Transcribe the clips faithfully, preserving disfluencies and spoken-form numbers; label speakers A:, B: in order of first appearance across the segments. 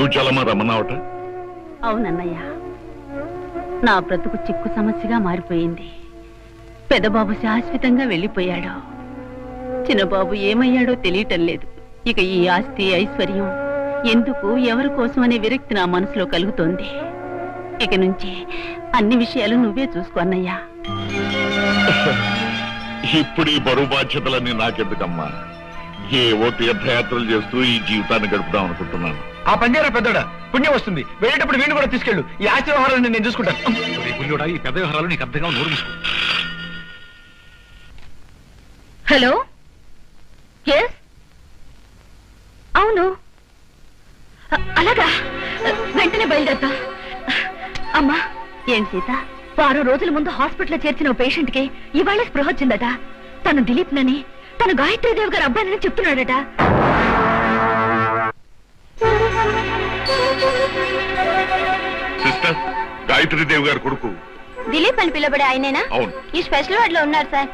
A: చలమా రమ్మన్నావట?
B: అవునన్నయ్య, నా బ్రతుకు చిక్కు సమస్యగా మారిపోయింది. పెదబాబు శాశ్వతంగా వెళ్ళిపోయాడు. చిన్నబాబు ఏమయ్యాడో తెలియటం లేదు. ఇక ఈ ఆస్తి ఐశ్వర్యం ఎందుకు, ఎవరి కోసం అనే విరక్తి నా మనసులో కలుగుతోంది. ఇక నుంచి అన్ని విషయాలు నువ్వే చూసుకో అన్నయ్యా.
A: ఇప్పుడు ఈ బరువు బాధ్యతలన్నీ నాకెందుకమ్మా? ఏవో తీర్థయాత్రలు చేస్తూ ఈ జీవితాన్ని గడుపుదాం అనుకుంటున్నాను.
C: ఆ పంజారా పెద్దోడా, పుణ్యం వస్తుంది. వెళ్ళేటప్పుడు వీడిని కూడా తీసుకెళ్ళు. ఈ ఆస్తి వ్యవహారాలను నేను చూసుకుంటాను.
D: ఈ పెద్ద వ్యవహారాలు నీకు అర్థంగా నోరు మూసుకో.
B: హలో, ఎస్, అవును, అలాగా, వెంటనే బయలుదేరతా. అమ్మా, ఏం సీత, వారం రోజుల ముందు హాస్పిటల్లో చేర్చిన పేషెంట్ కి ఇవాళ స్పృహ వచ్చిందట. తను దిలీప్ నని, తను గాయత్రీదేవి గారు అబ్బాయినని చెప్తున్నాడట.
A: సిస్టర్, గాయత్రీదేవి గారు కొడుకు
E: దిలీప్ అని పిలబడే ఆయనేనా?
A: అవును.
E: ఈ స్పెషల్ వార్డ్ లో ఉన్నారు సార్.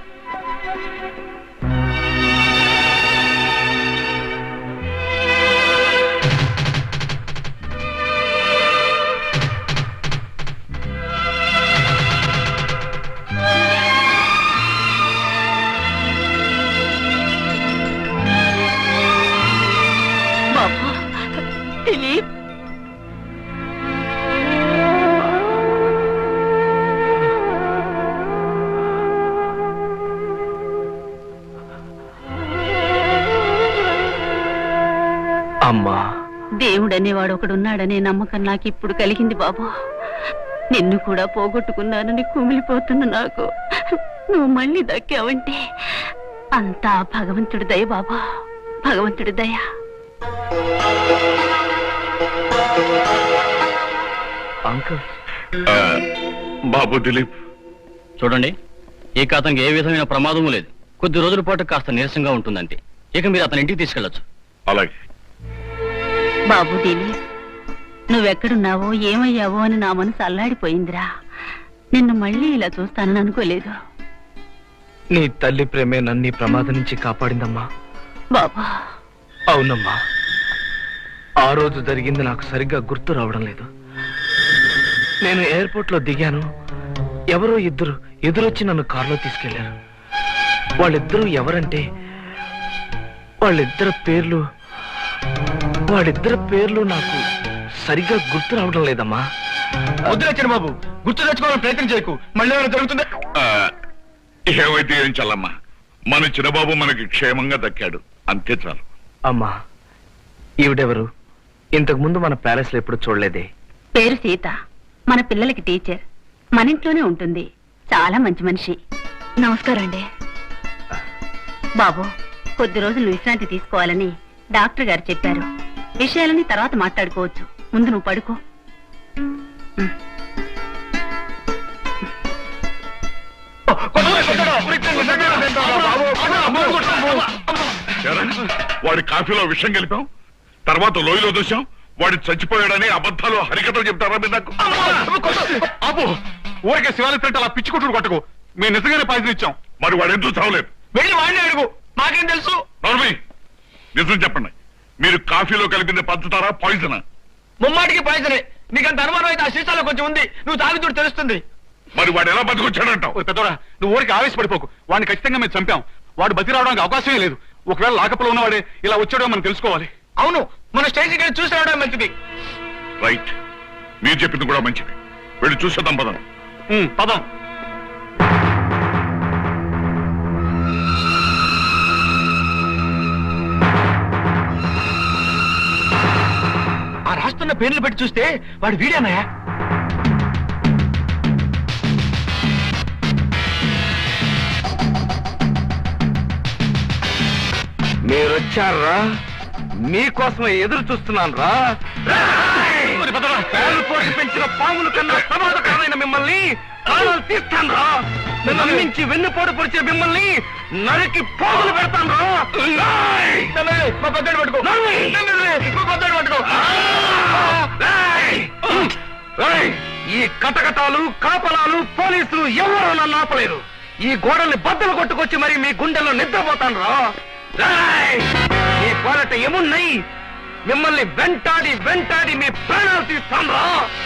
B: దిలీప్,
C: అమ్మా,
B: దేవుడనేవాడు ఒకడున్నాడనే నమ్మకం నాకు ఇప్పుడు కలిగింది బాబు. నిన్ను కూడా పోగొట్టుకున్నానని కుమిలిపోతున్న నాకు నువ్వు మళ్ళీ దక్కావంటే అంతా భగవంతుడి దయ బాబా, భగవంతుడి దయ.
C: అంకుల్.
A: బాబు దిలీప్,
D: చూడండి, ఇక అతనికి ఏ విధమైన ప్రమాదము లేదు. కొద్ది రోజుల పాటు కాస్త నీరసంగా ఉంటుందంటే ఇక మీరు అతని ఇంటికి తీసుకెళ్లొచ్చు.
A: అలాగే.
B: బాబు దిలీప్, నువ్వెక్కడున్నావో ఏమయ్యావో అని నా మనసు అల్లాడిపోయిందిరా. నిన్ను మళ్ళీ ఇలా చూస్తానని అనుకోలేదు.
C: నీ తల్లి ప్రేమే నన్ను ప్రమాదం నుంచి కాపాడిందమ్మా.
B: బాబా.
C: అవునమ్మా, ఆ రోజు జరిగింది నాకు సరిగ్గా గుర్తు రావడం లేదు. నేను ఎయిర్పోర్ట్ లో దిగాను. ఎవరో ఇద్దరు ఎదురొచ్చి నన్ను కారులో తీసుకెళ్లారు. వాళ్ళిద్దరూ ఎవరంటే వాళ్ళిద్దరు పేర్లు వాళ్ళిద్దరు పేర్లు నాకు సరిగ్గా గుర్తు రావడం లేదమ్మా. వద్దులచ్చిన బాబు, గుర్తు తెచ్చుకోవాలని ప్రయత్నం చేయకు. మళ్ళీ ఏమైనా జరుగుతుందా?
A: ఏమైతే ఏం చల్లమ్మా, మన చిన్నబాబు మనకి క్షేమంగా దక్కాడు, అంతే చాలు.
C: అమ్మా, ఈవిడెవరు? ఇంతకు ముందు మన ప్యాలెస్ లో ఎప్పుడు చూడలేదే.
B: పేరు సీత, మన పిల్లలకి టీచర్, మన ఇంట్లోనే ఉంటుంది. చాలా మంచి మనిషి. నమస్కారం అండి. బాబు, కొద్ది రోజులు విశ్రాంతి తీసుకోవాలని డాక్టర్ గారు చెప్పారు. విషయాలని తర్వాత మాట్లాడుకోవచ్చు. ముందు నువ్వు పడుకో.
A: వాడి కాఫీలో విషం కలిపాం, తర్వాత లోయలో దోశాం. వాడు చచ్చిపోయాడని అబద్ధాలు హరికథలు చెప్తారా మీరు నాకు?
F: అబ్బో, ఊరికే శివాలయ ప్రింట్ అలా పిచ్చి కొట్టుడు కొట్టకు. మేము నిజంగానే పాయిజన్ ఇచ్చాం.
A: మరి వాడు ఎందుకు చావలేదు?
C: వెళ్ళి వాడిని అడుగు, నాకేం తెలుసు.
A: నోర్మి, నిజం చెప్పండి, మీరు కాఫీలో కలిపింది పంచుతారా పాయిజనా?
C: ముమ్మాటికి పాయిజనే. నీకంత అనుమానం అయితే ఆ సీసాలో కొంచెం ఉంది, నువ్వు తాగుతూ తెలుస్తుంది.
A: మరి వాడు ఎలా బతికొచ్చాడంటావు?
F: పెద్దోడా, నువ్వు ఊరికి ఆవేశపడిపోకు. వాడిని ఖచ్చితంగా మేము చంపాం. వాడు బతి రావడానికి అవకాశమే లేదు. ఒకవేళ లాకప్లో ఉన్నవాడే ఇలా వచ్చాడో మనం తెలుసుకోవాలి.
C: అవును, మన స్టేషన్ కానీ చూసి రావడం మంచిది.
A: రైట్, మీరు చెప్పింది కూడా మంచిది. వెళ్ళి చూసేద్దాం పదం.
F: పదం.
C: ఆ రాస్తున్న పేర్లు పెట్టి చూస్తే వాడు వీడేనాయా? మీరొచ్చారా? మీకోసమే ఎదురు చూస్తున్నాను రా. పోటీ పెంచిన పాముల కన్నా ప్రమాదకరమైన మిమ్మల్ని ప్రాణాలు తీస్తాను రా. నమ్మించి వెన్నుపోటు పొడిచిన మిమ్మల్ని నరికి పోగులు పెడతాను రా. మా పెద్దడు పట్టుకో, మా పెద్దడు పట్టుకో. ఈ కటకటాలు, కాపలాలు, పోలీసులు ఎవరు నన్ను ఆపలేరు. ఈ గోడల్ని బద్దలు కొట్టుకొచ్చి మరి మీ గుండెల్లో నిద్రపోతాను రా. ఈ పోరాట ఏమున్నాయి? మిమ్మల్ని వెంటాడి వెంటాడి మీ ప్రాణాలు తీస్తాను.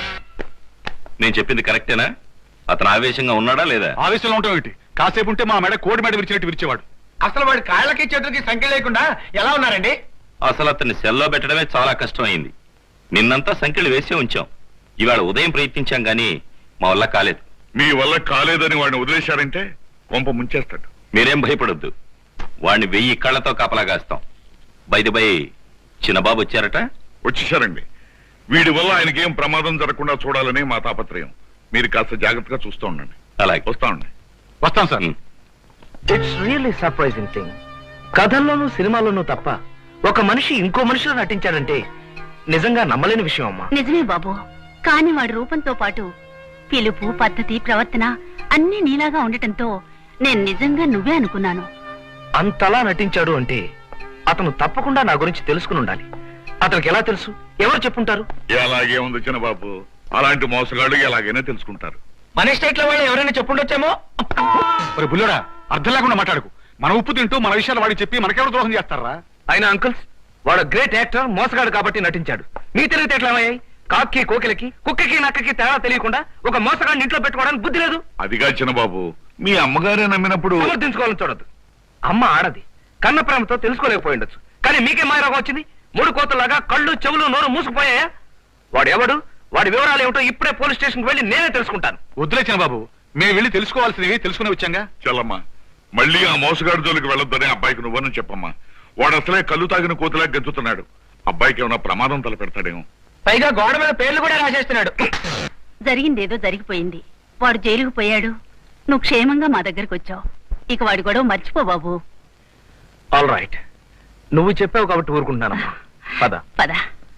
G: నేను చెప్పింది కరెక్టేనా? అతను ఆవేశంగా ఉన్నాడా లేదా?
F: ఆవేశంలో ఉంటాం ఏంటి? కాసేపు ఉంటే మా మెడ కోడి మెడ విరిచినట్టు విరిచేవాడు.
C: అసలు వాడి కాళ్ళకి చేతులకి సంఖ్య లేకుండా ఎలా ఉన్నారండి?
G: అసలు అతన్ని సెల్లో పెట్టడమే చాలా కష్టం అయింది. నిన్నంతా సంఖ్యలు వేసే ఉంచాం. ఇవాళ ఉదయం ప్రయత్నించాం గానీ మా వల్ల కాలేదు.
A: మీ వల్ల కాలేదని వాడిని వదిలేశారంటే కొంప ముంచేస్తాడు.
G: మీరేం భయపడొద్దు. వాడిని వెయ్యి కళ్ళతో కాపలా కాస్తాం. బైది బై చిన్నబాబు వచ్చారట?
A: వచ్చేసారండి. వీడి వల్ల ఆయనకేం ప్రమాదం జరగకుండా చూడాలని మా తాపత్రయం. మీరు కాస్త జాగ్రత్తగా చూస్తూ ఉండండి.
G: అలాగే
A: వస్తా ఉండండి.
F: వస్తాం sir.
C: It's really surprising thing. కథల్లోనూ సినిమాల్లోనూ తప్ప ఒక మనిషి ఇంకో మనిషిలో నటించాడంటే నిజంగా నమ్మలేని విషయం అమ్మా.
B: నిజమే బాబు, కాని వాడి రూపంతో పాటు పిలుపు, పద్ధతి, ప్రవర్తన అన్నీ నీలాగా ఉండటంతో నేను నిజంగా నువ్వే అనుకున్నాను.
C: అంతలా నటించాడు అంటే అతను తప్పకుండా నా గురించి తెలుసుకుని ఉండాలి. అతనికి ఎలా తెలుసు? ఎవరు చెప్పుంటారు?
A: ఎలాగే ఉంది చిన్నబాబు, అలాంటి మోసగాళ్ళు ఎలాగైనా తెలుసుకుంటారు.
C: మన ఎస్టేట్ లో వాళ్ళు ఎవరైనా చెప్పుండొచ్చేమో.
F: మరి బుల్లోడా, అర్థం లేకుండా మాట్లాడుకు. మన ఉప్పు తింటూ మన విషయాలు వాడికి చెప్పి మనకెవరు ద్రోహం చేస్తారా?
C: ఆయన అంకుల్స్, వాడు గ్రేట్ యాక్టర్, మోసగాడు కాబట్టి నటించాడు. మీ తెలివితే ఎట్లా అయ్యాయి? కాకి కోకిలకి, కుక్కకి నక్కకి తేడా తెలియకుండా ఒక మోసగాడిని ఇంట్లో పెట్టుకోవడానికి బుద్ధి లేదు.
A: అదిగా చిన్నబాబు, మీ అమ్మగారే నమ్మినప్పుడు
C: సమర్థించుకోవాలని చూడద్దు. అమ్మ ఆడది, కన్న ప్రేమతో తెలుసుకోలేకపోయి ఉండొచ్చు. కానీ మీకే మాయరోగం వచ్చింది. మూడు కోతలాగా కళ్ళు చెవులు నోరు మూసుకుపోయాయా? వాడు ఎవడు, వాడి వివరాలు ఏమిటో ఇప్పుడే పోలీస్ స్టేషన్కి వెళ్ళి నేనే తెలుసుకుంటాను.
F: వద్దులే చిన్నబాబు, మేము వెళ్ళి తెలుసుకోవాల్సినవి తెలుసుకునే వచ్చాంగా.
A: చల్లమ్మా, మళ్ళీ ఆ మోసగాడు జోలికి వెళ్ళొద్దని అబ్బాయికి నువ్వని చెప్పమ్మా. వాడు అసలే కళ్ళు తాగిన కోతిలా గెంతుతున్నాడు. అబ్బాయికి ఏమైనా ప్రమాదం తలపెడతాడేమో.
C: పైగా గోడ మీద పేర్లు కూడా రాసేస్తున్నాడు.
B: జరిగిందేదో జరిగిపోయింది. వాడు జైలుకు పోయాడు, నువ్వు క్షేమంగా మా దగ్గరకు వచ్చావు. ఇక వాడి గొడవ మర్చిపో బాబు.
C: ఆల్ రైట్, నువ్వు చెప్పావు కాబట్టి ఊరుకుంటున్నానమ్మా. పద
B: పద.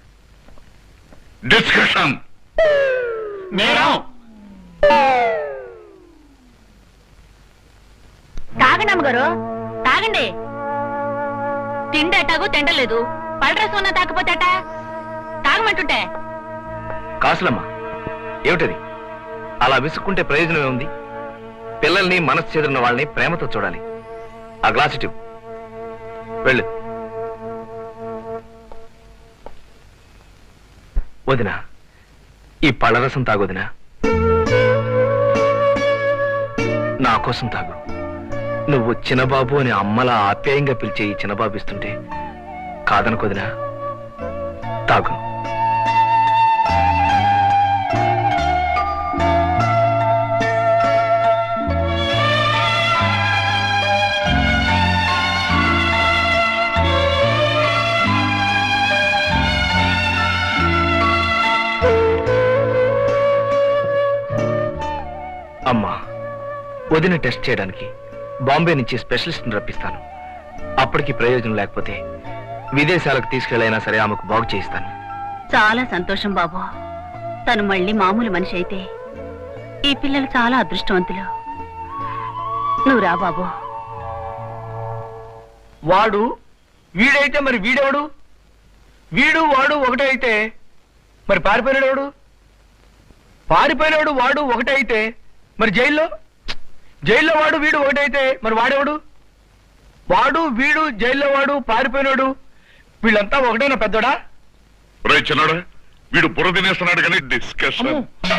A: డిస్కషన్.
B: తాగండి అమ్మగారు, తాగండి. తిండటాగు తిండలేదు, పళ్ళరసం ఉన్నా తాకపోతేట తాగమంటుంటే.
C: కాసులమ్మా, ఏమిటది? అలా విసుక్కుంటే ప్రయోజనం ఏముంది? పిల్లల్ని, మనసు చెదిరిన వాళ్ళని ప్రేమతో చూడాలి. ఆ గ్లాస్ ఇటు వెళ్ళు. వదినా, ఈ పళ్ళరసం తాగొదినా. నా కోసం తాగు. నువ్వు చిన్నబాబు అని అమ్మలా ఆప్యాయంగా పిలిచే ఈ చిన్నబాబు ఇస్తుంటే కాదనుకోదినా. తాగు. అమ్మా, వదిన టెస్ట్ చేయడానికి బాంబే నుంచి స్పెషలిస్ట్ని రప్పిస్తాను. అప్పటికి ప్రయోజనం లేకపోతే విదేశాలకు తీసుకెళ్ళైనా సరే ఆమెకు బాగు చేయిస్తాను.
B: చాలా సంతోషం బాబు. తను మళ్ళీ మామూలు మనిషి అయితే ఈ పిల్లలు చాలా అదృష్టవంతులు. నువ్వు రా బాబు.
C: వాడు వీడైతే మరి వీడెవడు? వీడు వాడు ఒకటే అయితే మరి పారిపోయినాడు? పారిపోయినాడు వాడు ఒకటే అయితే మరి జైల్లో జైల్లో వాడు వీడు ఒకటైతే మరి వాడెవడు? వాడు వీడు జైల్లో వాడు పారిపోయినాడు వీళ్ళంతా ఒకటేనా పెద్దోడా?
A: రే చిన్నడా, వీడు బుర్ర తినేస్తున్నాడు కానీ డిస్కషన్.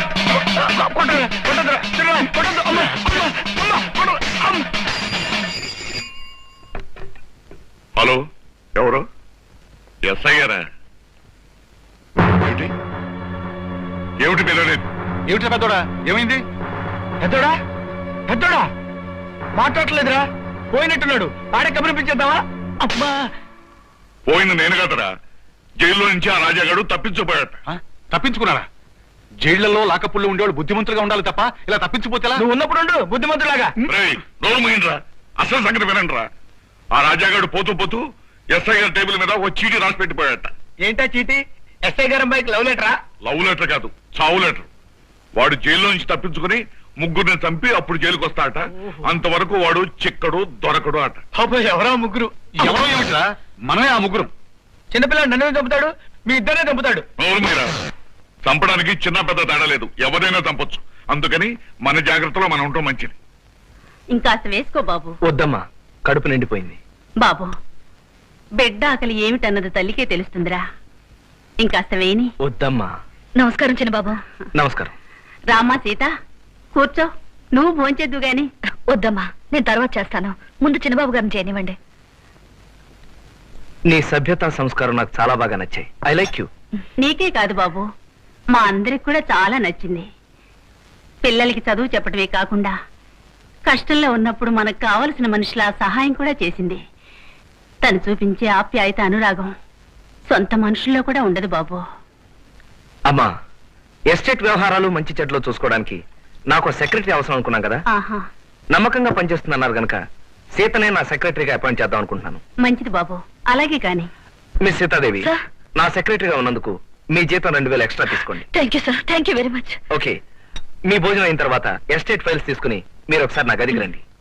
A: హలో, ఎవరు? ఎస్ఐ గారా? ఏమిటి ఏమిటి పిల్లలేదు?
F: ఏమిటి పెద్దోడా, ఏమైంది?
C: పెద్దోడా పెద్దోడా మాట్లాడలేదురా, పోయినట్టున్నాడు. ఆడే కబురిపించేద్దామా? అమ్మా,
A: పోయిన నేను కదరా. జైల్లో నుంచి ఆ రాజాగాడు తప్పించుకుపోయాట.
F: ఆ? తప్పించుకున్నారా? జైళ్లలో లాకప్పుల్లో ఉండేవాళ్ళు బుద్ధిమంతులుగా ఉండాలి తప్ప ఇలా తప్పించిపోతేలా?
C: నువ్వు ఉన్నప్పుడు ఉండు బుద్ధిమంతులాగా.
A: రేయ్, నోరు మూయండిరా. అసలు సంగతి వినండిరా. ఆ రాజాగాడు పోతూ పోతూ ఎస్ఐ గారి టేబుల్ మీద ఓ చీటీ రాసి పెట్టిపోయాట.
C: ఏంటా చీటీ? ఎస్ఐ గారి అమ్మాయికి లవ్ లెటరా?
A: లవ్ లెటర్ కాదు, చావు లెటర్. వాడు జైల్లో నుంచి తప్పించుకుని ముగ్గురిని చంపి అప్పుడు జైలుకి వస్తాట. అంతవరకు వాడు చిక్కడు దొరకడు అట.
C: ఎవరా ముగ్గురు?
F: ఎవరో ఏమిట్రా, మనమే ఆ ముగ్గురం.
C: చిన్నపిల్లడు నన్ను చంపుతాడు, మీ ఇద్దరే చంపుతాడు.
A: నోరు మీరా. చంపడానికి చిన్న పెద్ద తేడా లేదు, ఎవరైనా చంపొచ్చు. అందుకని మన జాగ్రత్తలో మనం ఉంటాం మంచిది.
B: ఇంకాస్త వేసుకో బాబు.
C: వద్దమ్మా, కడుపు నిండిపోయింది.
B: బాబు, బిడ్డ ఆకలి ఏమిటన్నది తల్లికే తెలుస్తుందిరా. ఇంకాస్త వేయని.
C: వద్దమ్మా.
E: నమస్కారం చిన్నబాబు.
C: నమస్కారం.
B: రామ్మా సీత, కూర్చో. నువ్వు భోంచేద్దు గాని.
E: వద్దమ్మా, నేను తర్వాత చేస్తాను. ముందు చిన్నబాబు గారిని చేయనివ్వండి.
C: నీ సభ్యత సంస్కారం నాకు చాలా బాగా నచ్చాయి. I like you.
B: నీకే కాదు బాబు, మా అందరికి కూడా చాలా నచ్చింది. పిల్లలకి చదువు చెప్పటమే కాకుండా కష్టంలో ఉన్నప్పుడు మనకు కావలసిన మనుషుల సహాయం కూడా చేసింది. తను చూపించే ఆప్యాయత, అనురాగం సొంత మనుషుల్లో కూడా ఉండదు బాబు.
C: అమ్మా, ఎస్టేట్ వ్యవహారాలు మంచి చెడ్లో చూసుకోవడానికి నాకు సెక్రటరీ అవసరం అనుకున్నాం కదా.
B: ఆహా,
C: నమ్మకంగా పనిచేస్తుందన్నారు గనక సీతనే నా సెక్రటరీగా అపాయింట్ చేద్దాం అనుకుంటున్నాను.
B: మంచిది బాబు, అలాగే కాని.
C: Miss Sitadevi,
E: sir.
C: నా సెక్రటరీగా ఉన్నందుకు మీ జీతం రెండు వేలు ఎక్స్ట్రా తీసుకోండి.
E: Thank you sir, thank you very much.
C: Okay, మీ భోజనం అయిన తర్వాత ఎస్టేట్ ఫైల్స్ తీసుకుని మీరు ఒకసారి నా గదికి రండి.